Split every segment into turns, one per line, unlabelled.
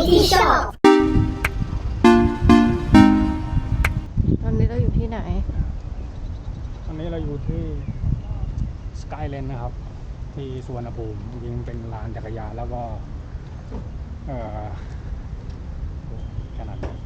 ที่ชอบ
ตอนนี้เราอยู่ที่ไหน
ตอนนี้เราอยู่ที่สกายเลนนะครับที่สุวรรณภูมิจริงๆเป็นลานจักรยานแล้วก็ขนาดนี้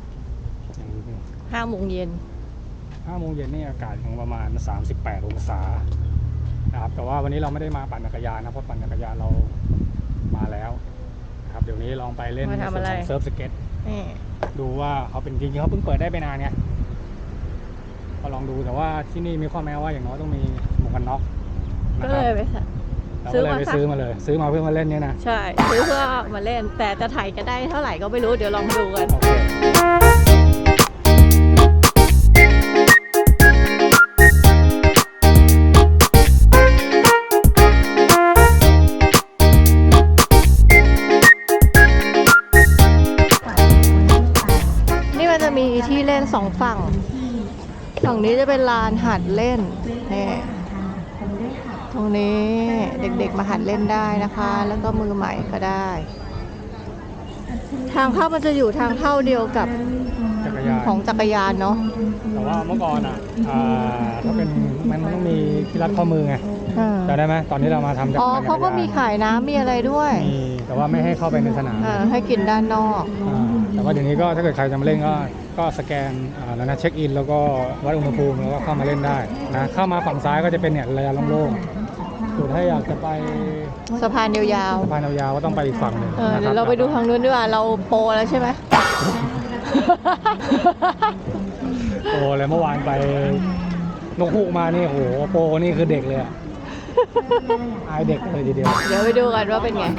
5 โมงเย็น
นี่อากาศของประมาณ38 องศานะครับแต่ว่าวันนี้เราไม่ได้มาปั่นจักรยานนะเพราะปั่นจักรยานเรามาแล้วนะครับเดี๋ยวนี้ลองไปเล่นในส่วนของเซิร์ฟสเก็ตดูว่าเขาเป็นจริงๆเขาเพิ่งเปิดได้ไปนานเนี่ยก็ลองดูแต่ว่าที่นี่มีข้อแม้ว่าอย่างน้อยต้องมีหมวกกันน็อก
ก็เลยไป
ซื้อมาซื้อมาเพื่อมาเล่นเนี่ยนะ
ใช่ซื้อเพื่อมาเล่นแต่จะถ่ายจะได้เท่าไหร่ก็ไม่รู้เดี๋ยวลองดูกัน
โอเค
มีที่เล่น2 ฝั่งนี้จะเป็นลานหัดเล่นนี่ตรงนี้เด็กๆมาหัดเล่นได้นะคะแล้วก็มือใหม่ก็ได้ทางเข้ามันจะอยู่ทางเข้าเดียวกับของจักรยานเนาะ
แต่ว่าเมื่อก่อนถ้าเป็นมันต้องมีที่รัดข้อมือไงจำได้ไหมตอนนี้เรามาทำ
อ๋อเขาก็มีขายน้ำมีอะไรด้วย
แต่ว่าไม่ให้เข้าไปในสนาม
ให้กินด้านนอก
แต่ว่าเดี๋ยวนี้ก็ถ้าเกิดใครจะมาเล่นก็สแกนแล้วนะเช็คอินแล้วก็วัดอุณหภูมิแล้วก็เข้ามาเล่นได้นะเข้ามาฝั่งซ้ายก็จะเป็นเนี่ยระยะโล่งๆส่วนถ้าอยากจะไป
สะพานยาว
ๆก็ต้องไปอีกฝั่งหนึ่ง
เดี๋ยวเราไปดูทางนู้นดีกว่าเราโปรแล้วใช่ไหม
โปรเลยเมื่อวานไปนกฮูกมานี่โอ้โหโปรนี่คือเด็กเลยอายเด็กเลยทีเดียว
เดี๋ยวไปดูกันว่าเป็นไง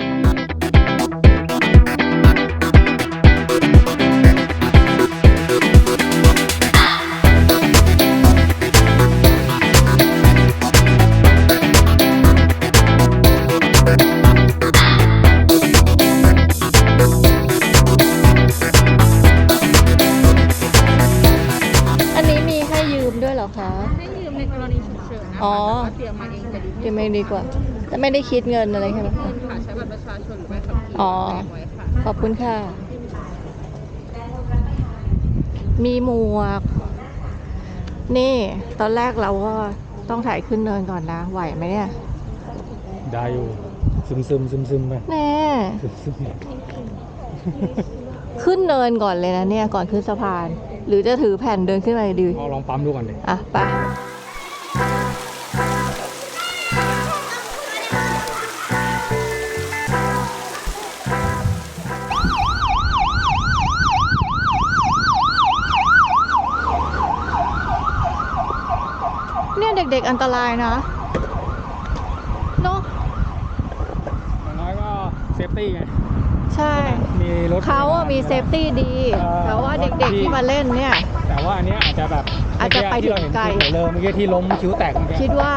ให้ยืมในกรณีฉุกเฉินนะคะเตรียมมาเองจะดี
เตรียมเองดีกว่าแต่ไม่ได้คิดเงินอะไรใช่ไหม
ค่ะใช้บัตรประชาชนหรือใบขับขี่ไว้ค่ะ
ขอบคุณค่ะมีหมวกนี่ตอนแรกเราก็ต้องถ่ายขึ้นเนินก่อนนะไหวไหมเนี่ย
ได้อยู่ซึมไป
แน่ขึ้นเนินก่อนเลยนะเนี่ยก่อนขึ้นสะพานหรือจะถือแผ่นเดินขึ้นไปดี
ลองปั๊มดูก่อนดิ
ไปเนี่ยเด็กๆอันตรายนะเนาะ
อย่างน้อยก็เซฟตี้ไง
ใช่
มีรถ
เขามีเซฟตี้ดีแต่ว่าเด็กๆที่มาเล่นเนี่ย
แต่ว่าอันนี้อาจจะไปถึงไกลเลยเมื่อกี้ที่ล้มคิ้วแตก
คิดว่า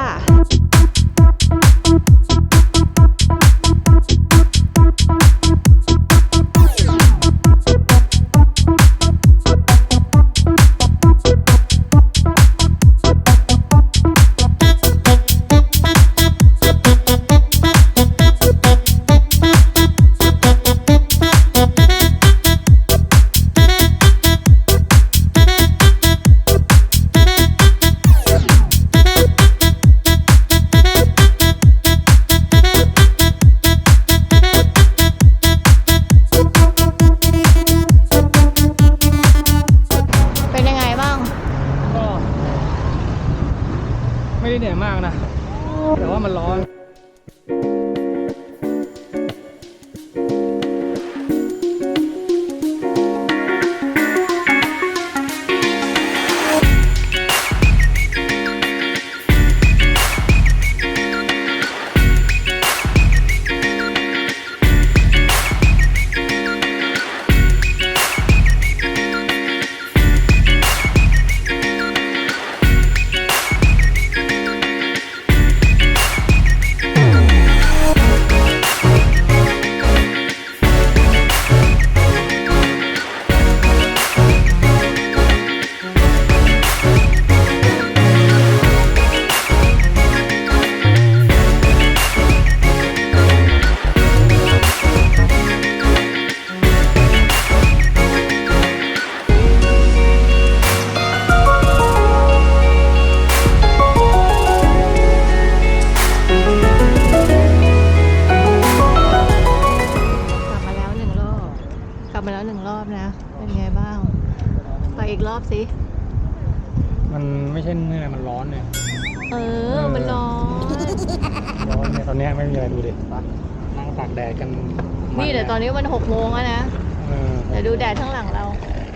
อบสิ
มันไม่ใช่เหนื่อยมันร้อนเนี่ย
มันร้อน
ร้อนเนี่ยตอนเนี้ยไม่มีอะไรดูดินั่งตากแดดกัน
นี่เดี๋ยวตอนนี้มัน6 โมงแล้วนะ
เออ
เดี๋ยวดูแดดข้างหลังเรา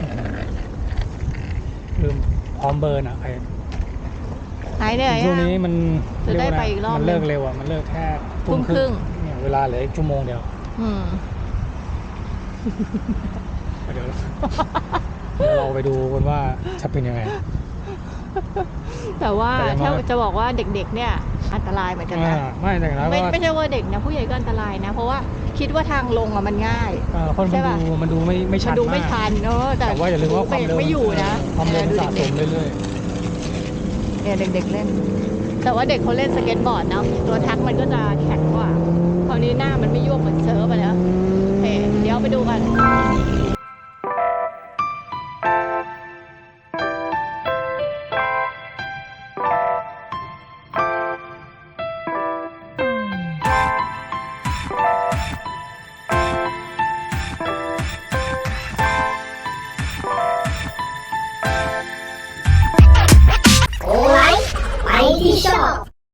ลืมพร้อมเบิร์นอ่ะไอ้
หายเหนื่อย
ช่วง
อะ
นี้มัน
จะได้
เรียว่า
ไปอีกรอบ
มันเลิกเร็วอ่ะมันเลิกแค่
ทุ่มครึ่ง
เนี่ยเวลาเหลืออีกชั่วโมงเดียว
อืม
เดี๋ยวเราไปดูกันว่าจะเป็นยังไง
แต่ว่า
แต่อย่างน้
ถ้า
อย
จะบอกว่าเด็กๆ เนี่ยอันตรายเหมือนกันนะ
ไม่แต่นะ
ไม่
ว่า
ไม่ใช่ว่าเด็กนะผู้ใหญ่ก็อันตรายนะ เพราะว่าคิดว่าทางลงอะมันง่าย
คน
ใช่ปะ
มันดูไม่ชั
มัน
น
ดูไม่
มาก
ชันแต่
แต่ว่าอย่าลืมว่าความเร็ว
ไม่อยู่นะ
ความเร็วมัน
ดู
สะส
เด็ก
มเรื่อย
ๆเนี่ยเด็กๆเล่น แต่ว่าเด็กเขาเล่นสเก็ตบอร์ดเนาะตัวทักมันก็จะแข็งกว่าคราวนี้หน้ามันไม่ยวบเหมือนเซิร์ฟอะนะเดี๋ยวไปดูกัน
ๆ